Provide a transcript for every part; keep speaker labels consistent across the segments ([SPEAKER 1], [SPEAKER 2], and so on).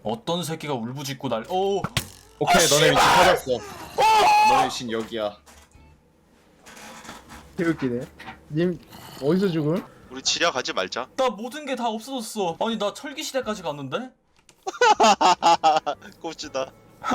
[SPEAKER 1] 어떤 새끼가 울부짖고 날. 오.
[SPEAKER 2] 오케이 너네 위치 찾았어. 너네 위치는 여기야.
[SPEAKER 3] 개웃기네. 님 어디서 죽음?
[SPEAKER 4] 우리 지뢰 가지 말자.
[SPEAKER 1] 나 모든 게 다 없어졌어. 아니 나 철기 시대까지 갔는데?
[SPEAKER 4] 꼽지다.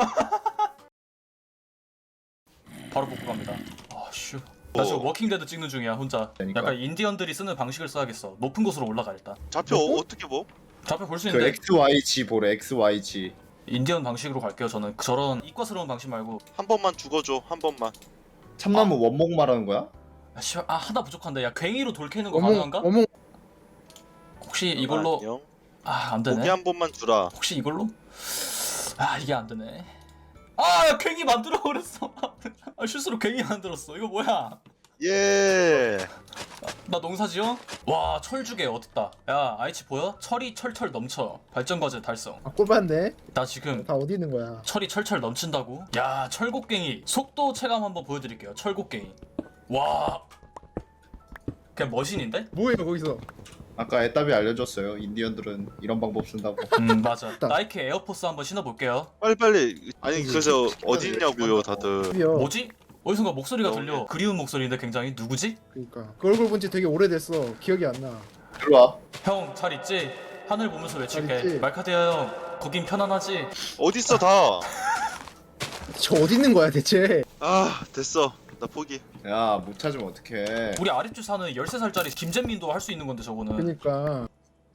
[SPEAKER 1] 바로 복구 갑니다. 아 슈. 나 지금 워킹데드 찍는 중이야 혼자.
[SPEAKER 2] 그러니까.
[SPEAKER 1] 약간 인디언들이 쓰는 방식을 써야겠어. 높은 곳으로 올라가 일단.
[SPEAKER 4] 좌표 어떻게 뭐?
[SPEAKER 1] 좌표 볼 수
[SPEAKER 2] 그
[SPEAKER 1] 있는데
[SPEAKER 2] XYG 보래 XYG.
[SPEAKER 1] 인디언 방식으로 갈게요. 저는 저런 이과스러운 방식 말고.
[SPEAKER 4] 한 번만 죽어줘. 한 번만.
[SPEAKER 2] 참나무 원목 말하는 거야?
[SPEAKER 1] 아 씨발 아 하나 부족한데. 야 괭이로 돌 캐는 거
[SPEAKER 3] 어몽
[SPEAKER 1] 가능한가?
[SPEAKER 3] 어몽
[SPEAKER 1] 혹시 이걸로
[SPEAKER 4] 안녕.
[SPEAKER 1] 아 안 되네.
[SPEAKER 4] 고기 한 번만 주라.
[SPEAKER 1] 혹시 이걸로? 아 이게 안 되네. 아 야, 괭이 만들어 버렸어. 아 실수로 괭이 만들었어. 이거 뭐야?
[SPEAKER 4] 예.
[SPEAKER 1] 나 농사지어? 와 철주개 어딨다. 야 아이치 보여? 철이 철철 넘쳐. 발전 과제 달성.
[SPEAKER 3] 아 꼽았네.
[SPEAKER 1] 나 지금
[SPEAKER 3] 다 어디 있는 거야?
[SPEAKER 1] 철이 철철 넘친다고? 야 철곡갱이 속도 체감 한번 보여드릴게요. 철곡갱이. 와 그냥 머신인데?
[SPEAKER 3] 뭐예요 거기서?
[SPEAKER 2] 아까 애답이 알려줬어요. 인디언들은 이런 방법 쓴다고.
[SPEAKER 1] 맞아. 나이키 에어포스 한번 신어볼게요.
[SPEAKER 4] 빨리. 아니 그래서 어디 있냐고요 다들.
[SPEAKER 3] 드디어.
[SPEAKER 1] 뭐지? 어디선가 목소리가 들려. 그리운 목소리인데 굉장히 누구지?
[SPEAKER 3] 그러니까 그 얼굴 본 지 되게 오래됐어. 기억이 안 나.
[SPEAKER 2] 들어와.
[SPEAKER 1] 형 잘 있지? 하늘 보면서
[SPEAKER 3] 잘
[SPEAKER 1] 외칠게.
[SPEAKER 3] 있지?
[SPEAKER 1] 말카디아 형 거긴 편안하지?
[SPEAKER 4] 어디 있어 다.
[SPEAKER 3] 저 어디 있는 거야 대체?
[SPEAKER 4] 아 됐어. 나 포기.
[SPEAKER 2] 야 못 찾으면 어떡해.
[SPEAKER 1] 우리 아랫주 사는 13살짜리 김재민도 할 수 있는 건데 저거는.
[SPEAKER 3] 그러니까.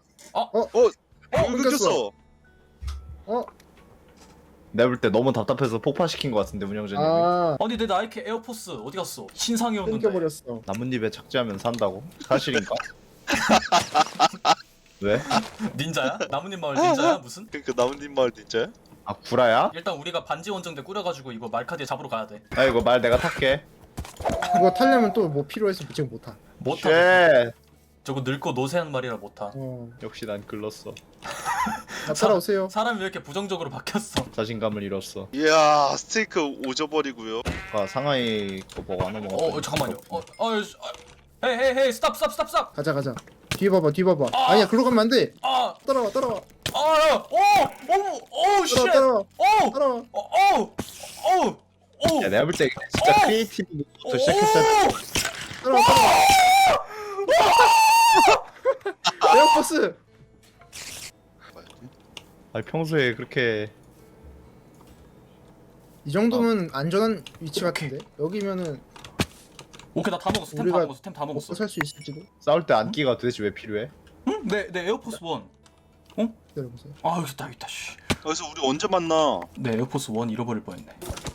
[SPEAKER 4] 끊겼어.
[SPEAKER 3] 어?
[SPEAKER 2] 내가 볼 때 너무 답답해서 폭파시킨 것 같은데 운영자님이.
[SPEAKER 3] 아
[SPEAKER 1] 아니 내 나이키 에어포스 어디 갔어? 신상이었는데.
[SPEAKER 3] 끊겨버렸어.
[SPEAKER 2] 나뭇잎에 착지하면 산다고? 사실인가? 왜?
[SPEAKER 1] 닌자야? 나뭇잎 마을 닌자야 무슨?
[SPEAKER 4] 그러니까 나뭇잎 마을 진짜야?
[SPEAKER 2] 아 구라야?
[SPEAKER 1] 일단 우리가 반지 원정대 꾸려가지고 이거 말카디아 잡으러 가야 돼.
[SPEAKER 2] 아 이거 말 내가 탈게.
[SPEAKER 3] 이거 타려면 또 뭐 필요해서 지금 못 타.
[SPEAKER 1] 못 타.
[SPEAKER 2] 쉣.
[SPEAKER 1] 저거 늙고 노쇠한 말이라 못 타.
[SPEAKER 2] 역시 난 글렀어.
[SPEAKER 3] 나 따라오세요.
[SPEAKER 1] 사람이 왜 이렇게 부정적으로 바뀌었어?
[SPEAKER 2] 자신감을 잃었어.
[SPEAKER 4] 이야 스테이크 오져버리고요.
[SPEAKER 2] 아 상하이 거 먹어 안 먹어.
[SPEAKER 1] 잠깐만요. 헤이 스탑.
[SPEAKER 3] 가자. 뒤에 봐봐. 아니야 글로 가면 안 돼.
[SPEAKER 1] 아,
[SPEAKER 3] 따라와.
[SPEAKER 1] 쉣.
[SPEAKER 3] 따라와.
[SPEAKER 2] 야 내가 볼 때 진짜 크리에이티브부터 시작했어야
[SPEAKER 3] 따라와. 에어포스.
[SPEAKER 2] 아니 평소에 그렇게
[SPEAKER 3] 이 정도면 안전한 위치 같은데 여기면은
[SPEAKER 1] 오케이 나 다 먹었어. 템 다
[SPEAKER 3] 우리가
[SPEAKER 1] 먹었어. 템 다 먹었어.
[SPEAKER 3] 먹고 살 수 있을지도.
[SPEAKER 2] 싸울 때 안기가 도대체 왜 필요해?
[SPEAKER 1] 응? 내 에어포스 원.
[SPEAKER 3] 기다려보세요.
[SPEAKER 1] 아 여기 있다. 씨.
[SPEAKER 4] 그래서 우리 언제 만나?
[SPEAKER 1] 내 에어포스 원 잃어버릴 뻔했네.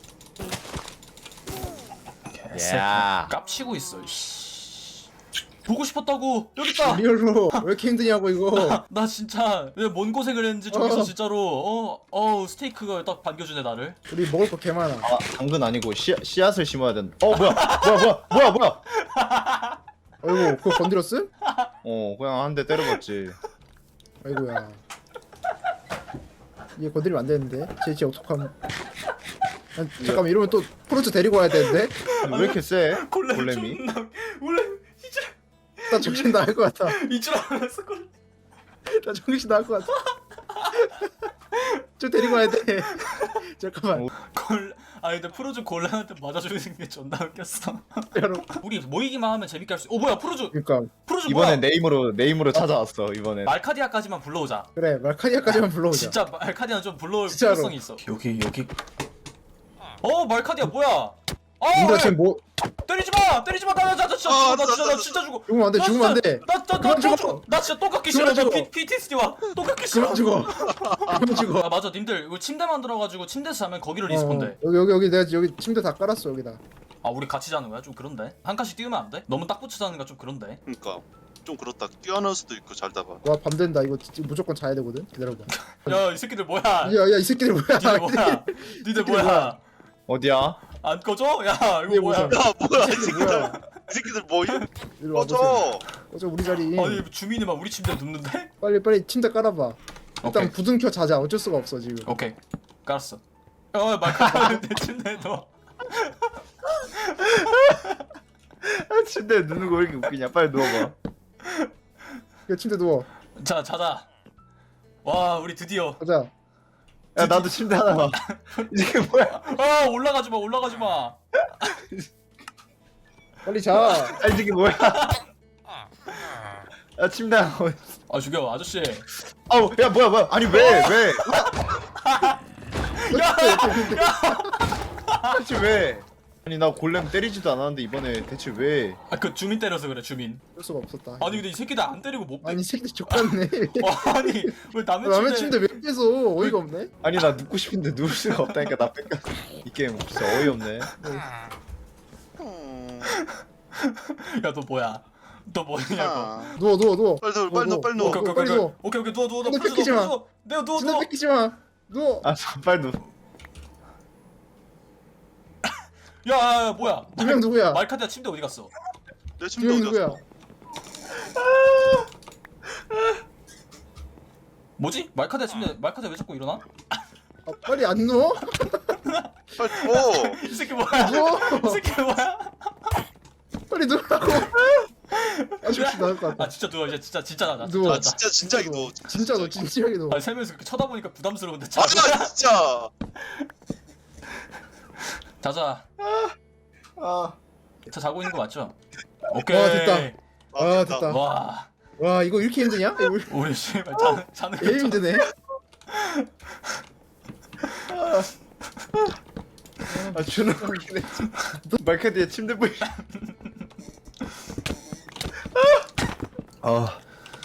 [SPEAKER 1] 개새끼.
[SPEAKER 2] 야.
[SPEAKER 1] 깝치고 있어. 씨. 보고 싶었다고. 여기 있다.
[SPEAKER 3] 리얼로 왜 이렇게 힘드냐고 이거.
[SPEAKER 1] 나 진짜 왜 뭔 고생을 했는지 저기서 진짜로 스테이크가 딱 반겨주네 나를.
[SPEAKER 3] 우리 먹을 거 개 많아.
[SPEAKER 2] 아 당근 아니고 씨앗을 심어야 된다. 뭐야?
[SPEAKER 3] 아이고 그거 건드렸음?
[SPEAKER 2] 그냥 한 대 때려봤지.
[SPEAKER 3] 아이고야. 얘 건드리면 안 되는데. 쟤 어떡함. 잠깐만 이러면 또 프로츠 데리고 와야 되는데.
[SPEAKER 2] 왜 이렇게 세?
[SPEAKER 1] 골렘
[SPEAKER 2] 골렘이?
[SPEAKER 1] 존나 원래
[SPEAKER 3] 나 정신 나갈 것 같아.
[SPEAKER 1] 이줄 알았어 골렘.
[SPEAKER 3] 나 정신 나갈 것 같아. 저 데리고 와야 돼. 잠깐만.
[SPEAKER 1] 근데 프로즈 골렘한테 맞아주는 게 존나 웃겼어.
[SPEAKER 3] 여러분.
[SPEAKER 1] 우리 모이기만 하면 재밌게 할 수. 뭐야 프로즈
[SPEAKER 3] 그러니까
[SPEAKER 1] 프로즈
[SPEAKER 2] 이번엔
[SPEAKER 1] 뭐야?
[SPEAKER 2] 내 힘으로 찾아왔어 이번엔.
[SPEAKER 1] 말카디아까지만 불러오자.
[SPEAKER 3] 그래 말카디아까지만 불러오자.
[SPEAKER 1] 진짜 말카디아 좀 불러올
[SPEAKER 3] 진짜로.
[SPEAKER 1] 필요성이 있어. 여기. 말카디아 뭐야?
[SPEAKER 3] 우리가 지금 뭐
[SPEAKER 1] 때리지 마 나 진짜 죽어.
[SPEAKER 3] 죽으면 안 돼. 죽으면 안 돼. 그만 죽어.
[SPEAKER 1] 나 진짜 또 깎기
[SPEAKER 3] 그만
[SPEAKER 1] 싫어.
[SPEAKER 3] 죽어.
[SPEAKER 1] PTSD 와. 또 깎기 싫어.
[SPEAKER 3] 그만 죽어. 그만 죽어.
[SPEAKER 1] 아 맞아 님들 이거 침대 만들어가지고 침대에서 자면 거기로 리스폰돼.
[SPEAKER 3] 여기 내가 여기 침대 다 깔았어 여기다.
[SPEAKER 1] 아 우리 같이 자는 거야? 좀 그런데 한 칸씩 띄우면 안 돼? 너무 딱 붙여 자는 거 좀 그런데.
[SPEAKER 4] 그러니까 좀 그렇다. 뛰어날 수도 있고 잘다가.
[SPEAKER 3] 와 밤 된다. 이거 무조건 자야 되거든. 기다려봐.
[SPEAKER 1] 야 이 새끼들 뭐야?
[SPEAKER 3] 야이 새끼들 뭐야?
[SPEAKER 1] 니들 뭐야? 니들 뭐야?
[SPEAKER 2] 어디야?
[SPEAKER 1] 안 꺼져? 야
[SPEAKER 3] 이게
[SPEAKER 1] 이거 뭐야?
[SPEAKER 3] 뭐야?
[SPEAKER 4] 야 뭐야 이
[SPEAKER 3] 이게
[SPEAKER 4] 새끼들.
[SPEAKER 3] 뭐야?
[SPEAKER 4] 이 새끼들 뭐임?
[SPEAKER 3] 이리 와보세요.
[SPEAKER 4] 꺼져.
[SPEAKER 3] 꺼져 우리 자리.
[SPEAKER 1] 아니 주민이 막 우리 침대에 눕는데?
[SPEAKER 3] 빨리 침대 깔아봐. 일단
[SPEAKER 1] 오케이.
[SPEAKER 3] 부둥켜 자자. 어쩔 수가 없어 지금.
[SPEAKER 1] 오케이 깔았어. 말카디아 내 침대에 넣어.
[SPEAKER 2] 침대에 누는 거 왜 이렇게 웃기냐? 빨리 누워봐.
[SPEAKER 3] 야 침대 누워.
[SPEAKER 1] 자 자자. 와 우리 드디어
[SPEAKER 3] 가자.
[SPEAKER 2] 야 나도 침대 하나 봐. 이게 뭐야?
[SPEAKER 1] 아 올라가지 마 올라가지 마.
[SPEAKER 3] 빨리 자.
[SPEAKER 2] 아 이게 뭐야? 야 침대 하나. 봐.
[SPEAKER 1] 아 죽여 아저씨.
[SPEAKER 2] 아우 야 뭐야 아니 왜? 대체 왜? 아니 나 골렘 때리지도 않았는데 이번에 대체 왜?
[SPEAKER 1] 아 그 주민 때려서 그래 주민.
[SPEAKER 3] 할 수가 없었다.
[SPEAKER 1] 아니 근데 이 새끼들 안 때리고 못 빼.
[SPEAKER 3] 아니 이 새끼 족같네.
[SPEAKER 1] 아니 왜 남의
[SPEAKER 3] 남의
[SPEAKER 1] 침대?
[SPEAKER 3] 침대 왜 뺏어? 어이가 없네.
[SPEAKER 2] 아니 나 눕고 싶은데 누울 수가 없다니까 나 뺏겨. 이 게임 진짜 어이없네.
[SPEAKER 1] 야너 뭐야? 너 뭐냐고.
[SPEAKER 4] 아.
[SPEAKER 3] 누워.
[SPEAKER 4] 빨리 누워, 빨리 누워, 빨리 누워.
[SPEAKER 1] 오케이
[SPEAKER 3] 빨리 누워.
[SPEAKER 1] 오케이 누워
[SPEAKER 3] 침대 뺏기지 마.
[SPEAKER 1] 내가 누워
[SPEAKER 3] 침대 뺏기지 마. 누워.
[SPEAKER 2] 아 빨리 누.
[SPEAKER 1] 야 뭐야?
[SPEAKER 3] 두 명 누구야?
[SPEAKER 1] 말카드야 침대 어디 갔어?
[SPEAKER 4] 내
[SPEAKER 3] 두
[SPEAKER 4] 침대
[SPEAKER 3] 명
[SPEAKER 4] 어디
[SPEAKER 3] 누구야?
[SPEAKER 4] 갔어?
[SPEAKER 1] 뭐지? 말카드야 침대 말카드 왜 자꾸 일어나?
[SPEAKER 3] 아, 빨리 안 누워?
[SPEAKER 4] 빨리 누워.
[SPEAKER 1] 이 새끼 뭐야?
[SPEAKER 3] 누워.
[SPEAKER 1] 이 새끼 뭐야?
[SPEAKER 3] 빨리 누우라고. 아 죽지 나을 것
[SPEAKER 1] 아
[SPEAKER 3] 같다.
[SPEAKER 1] 진짜 누워 이제 진짜 나자.
[SPEAKER 3] 누워.
[SPEAKER 4] 아 진짜 이거.
[SPEAKER 3] 진짜 너 진지하게 누워.
[SPEAKER 1] 아 세면서 그렇게 쳐다보니까 부담스러운데 자.
[SPEAKER 4] 아니야 진짜.
[SPEAKER 1] 자자.
[SPEAKER 2] 아.
[SPEAKER 1] 자 자고 있는 거 맞죠? 오케이.
[SPEAKER 3] 와, 됐다. 아 됐다.
[SPEAKER 1] 와
[SPEAKER 3] 와 이거 이렇게 힘드냐? 이거
[SPEAKER 1] 우리 씨발 자는
[SPEAKER 3] 제일 힘드네.
[SPEAKER 2] 아 존나 웃기네. 말카드에 침대 뿌리. 아.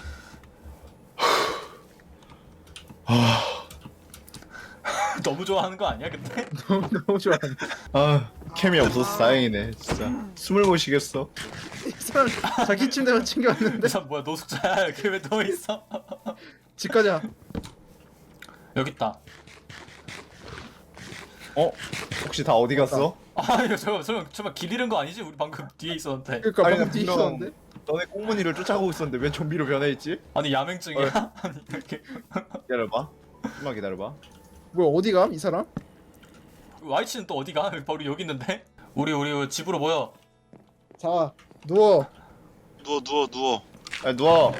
[SPEAKER 1] 너무 좋아하는 거 아니야 근데?
[SPEAKER 3] 너무 좋아.
[SPEAKER 2] 아 캠이 없어서 다행이네 진짜. 숨을 못 쉬겠어.
[SPEAKER 3] 이 사람 자기 침대만 챙겨왔는데
[SPEAKER 1] 이 사람 뭐야 노숙자야 여기 왜 누워 있어?
[SPEAKER 3] 집 가자.
[SPEAKER 1] 여기 있다.
[SPEAKER 2] 어? 혹시 다 어디 갔어?
[SPEAKER 1] 아 이거 잠깐 길 잃은 거 아니지? 우리 방금 뒤에 있었는데.
[SPEAKER 3] 그러니까
[SPEAKER 2] 아니,
[SPEAKER 3] 방금
[SPEAKER 2] 나
[SPEAKER 3] 뒤에
[SPEAKER 2] 분명-
[SPEAKER 3] 있었는데.
[SPEAKER 2] 너네 꽁무니를 쫓아가고 있었는데 왜 좀비로 변해있지?
[SPEAKER 1] 아니 야맹증이야? 아니 이렇게
[SPEAKER 2] 기다려봐. 좀만 기다려봐.
[SPEAKER 3] 뭐야 어디 감? 이 사람?
[SPEAKER 1] Y치는 또 어디 가? 바로 여기 있는데? 우리 집으로 모여.
[SPEAKER 3] 자 누워.
[SPEAKER 4] 누워.
[SPEAKER 2] 야 누워.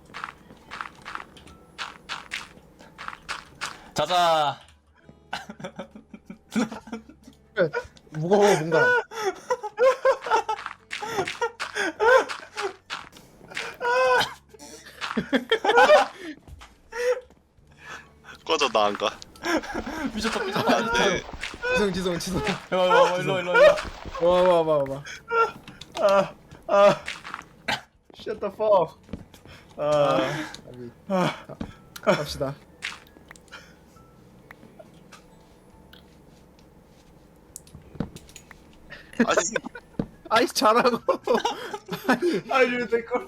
[SPEAKER 1] 자자.
[SPEAKER 3] 그래, 무거워 뭔가.
[SPEAKER 4] 꺼져 나 안 가.
[SPEAKER 1] 미쳤다.
[SPEAKER 4] 안돼.
[SPEAKER 3] 지성.
[SPEAKER 1] 와 일로.
[SPEAKER 3] 와봐.
[SPEAKER 2] Shut the fuck.
[SPEAKER 3] 갑시다.
[SPEAKER 4] 아니
[SPEAKER 3] 아이 잘하고.
[SPEAKER 2] 아니 왜 내걸?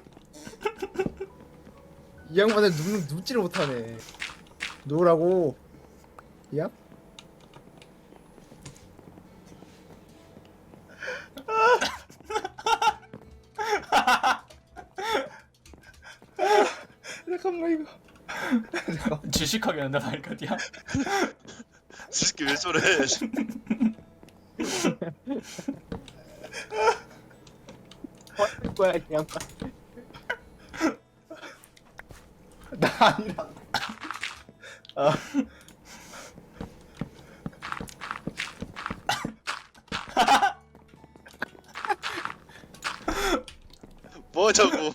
[SPEAKER 3] 이 양반을 눕지를 못하네. 누우라고. 야?
[SPEAKER 2] 잠깐만 이거.
[SPEAKER 1] 질식하게 한다 말까디야.
[SPEAKER 4] 이 새끼 왜 저래?
[SPEAKER 3] 뭐야 이 양반.
[SPEAKER 2] 나 아니라. 아.
[SPEAKER 4] 뭐냐고.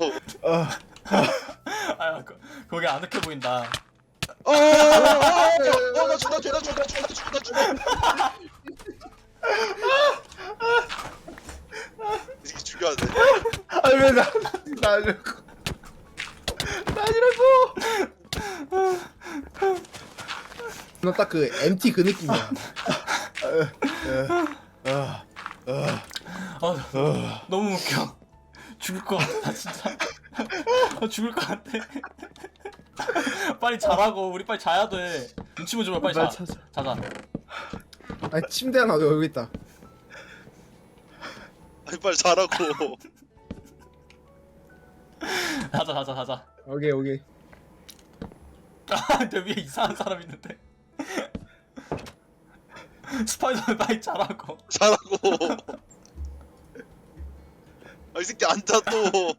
[SPEAKER 1] 아 거기 아늑해 보인다.
[SPEAKER 4] 나 죽어. 이 새끼 죽여야 돼.
[SPEAKER 2] 아니 왜 나 아니라고. 나 아니라고.
[SPEAKER 3] 너 딱 그 MT 그 느낌이야.
[SPEAKER 1] 아 너무 웃겨. 죽을 것 같아 진짜. 죽을 것 같아. 빨리 자라고. 우리 빨리 자야 돼. 눈치 보지 마 빨리 자. 자자.
[SPEAKER 3] 아니 침대 하나 여기 있다.
[SPEAKER 4] 아니 빨리 자라고.
[SPEAKER 1] 자자.
[SPEAKER 3] 오케이.
[SPEAKER 1] 내 위에 이상한 사람 있는데. 스파이더맨 빨리 자라고.
[SPEAKER 4] 자라고. 아 이 새끼 앉아 또.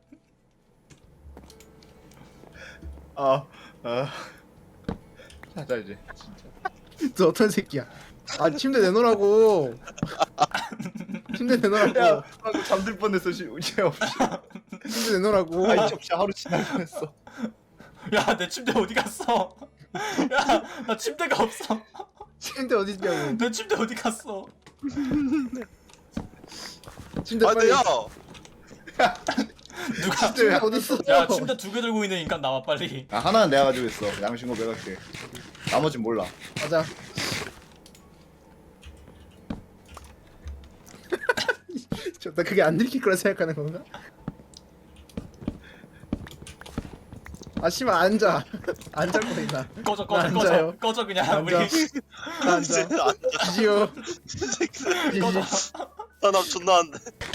[SPEAKER 2] 타자 이제. 진짜.
[SPEAKER 3] 너 어떤 새끼야? 아 침대 내놓으라고. 침대 내놓으라고.
[SPEAKER 2] 야, 방금 잠들 뻔했어. 이제 없이.
[SPEAKER 3] 침대 내놓으라고.
[SPEAKER 2] 아이 접시 하루 지날 뻔했어.
[SPEAKER 1] 야 내 침대 어디 갔어? 야 나 침대가 없어.
[SPEAKER 3] 침대 어디 있냐고.
[SPEAKER 1] 내 침대 어디 갔어?
[SPEAKER 3] 침대
[SPEAKER 4] 아
[SPEAKER 3] 빨리.
[SPEAKER 4] 근데 야
[SPEAKER 1] 누가?
[SPEAKER 3] 침대 어디 있어?
[SPEAKER 1] 야 침대 2개 들고 있는 인간 나와 빨리.
[SPEAKER 2] 아 하나는 내가 가지고 있어. 양심고 매갈게. 나머진 몰라.
[SPEAKER 3] 가자. 나 그게 안 들킬 거라 생각하는 건가? 아 씨발 앉아. 앉을 거있나
[SPEAKER 1] 꺼져
[SPEAKER 3] 나
[SPEAKER 1] 꺼져 꺼져
[SPEAKER 3] 앉아요.
[SPEAKER 1] 꺼져 그냥 우리.
[SPEAKER 3] 앉아. 나 앉아. 지지요. 지지.
[SPEAKER 4] 나 존나 안돼.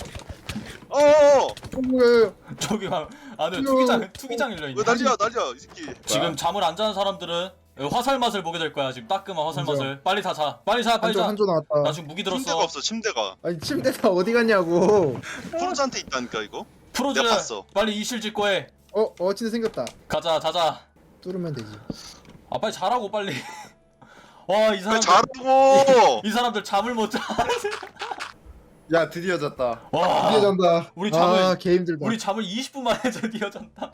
[SPEAKER 4] 어어
[SPEAKER 3] 뭐야?
[SPEAKER 1] 저기 막 안에
[SPEAKER 3] 귀여워.
[SPEAKER 1] 투기장 열려
[SPEAKER 4] 왜
[SPEAKER 1] 있네.
[SPEAKER 4] 난리야 이 새끼.
[SPEAKER 1] 지금 잠을 안 자는 사람들은 화살 맛을 보게 될 거야. 지금 따끔한 화살
[SPEAKER 3] 맞아.
[SPEAKER 1] 맛을. 빨리 다 자. 빨리 자. 빨리
[SPEAKER 3] 한조
[SPEAKER 1] 자.
[SPEAKER 3] 한조
[SPEAKER 1] 나
[SPEAKER 3] 나왔다.
[SPEAKER 1] 지금 무기
[SPEAKER 4] 침대가
[SPEAKER 1] 들었어.
[SPEAKER 4] 없어 침대가.
[SPEAKER 3] 아니 침대 다 어디 갔냐고.
[SPEAKER 4] 프로즈한테 있다니까 이거.
[SPEAKER 1] 프로즈
[SPEAKER 4] 내가 봤어.
[SPEAKER 1] 빨리 이실 짓고 해.
[SPEAKER 3] 침대 생겼다.
[SPEAKER 1] 가자 자자.
[SPEAKER 3] 뚫으면 되지.
[SPEAKER 1] 아 빨리 자라고 빨리. 와 이
[SPEAKER 4] 왜
[SPEAKER 1] 사람들
[SPEAKER 4] 잘하고.
[SPEAKER 1] 이 사람들 잠을 못 자.
[SPEAKER 2] 야 드디어 잤다.
[SPEAKER 1] 와
[SPEAKER 3] 드디어 잔다.
[SPEAKER 1] 우리 잠을-
[SPEAKER 3] 아, 개 힘들다.
[SPEAKER 1] 우리 잠을 20분 만에 드디어 잔다.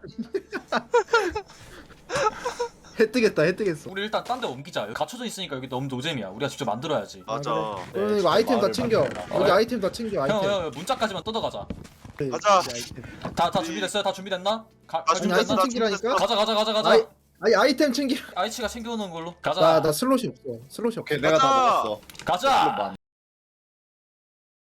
[SPEAKER 3] 해 뜨겠다. 해 뜨겠어.
[SPEAKER 1] 우리 일단 딴 데 옮기자. 여기 갇혀져 있으니까 여기 너무 노잼이야. 우리가 직접 만들어야지.
[SPEAKER 4] 맞아.
[SPEAKER 3] 그러면
[SPEAKER 2] 네,
[SPEAKER 3] 이거 아이템 다
[SPEAKER 2] 마을을
[SPEAKER 3] 챙겨.
[SPEAKER 2] 만들어라.
[SPEAKER 3] 여기 아이템 다 챙겨. 아이템.
[SPEAKER 1] 형 문짝까지만 뜯어가자.
[SPEAKER 4] 가자.
[SPEAKER 3] 이 아이템.
[SPEAKER 1] 다 준비됐어요? 다 준비됐나?
[SPEAKER 4] 아,
[SPEAKER 3] 아니, 아이템
[SPEAKER 1] 준비됐나?
[SPEAKER 3] 챙기라니까?
[SPEAKER 1] 가자.
[SPEAKER 3] 아이템 챙겨.
[SPEAKER 1] 아이치가 챙겨오는 걸로. 가자.
[SPEAKER 3] 나 슬롯이 없어. 슬롯이 없어.
[SPEAKER 2] 오케이 내가 다
[SPEAKER 4] 가자.
[SPEAKER 2] 먹었어.
[SPEAKER 1] 가자.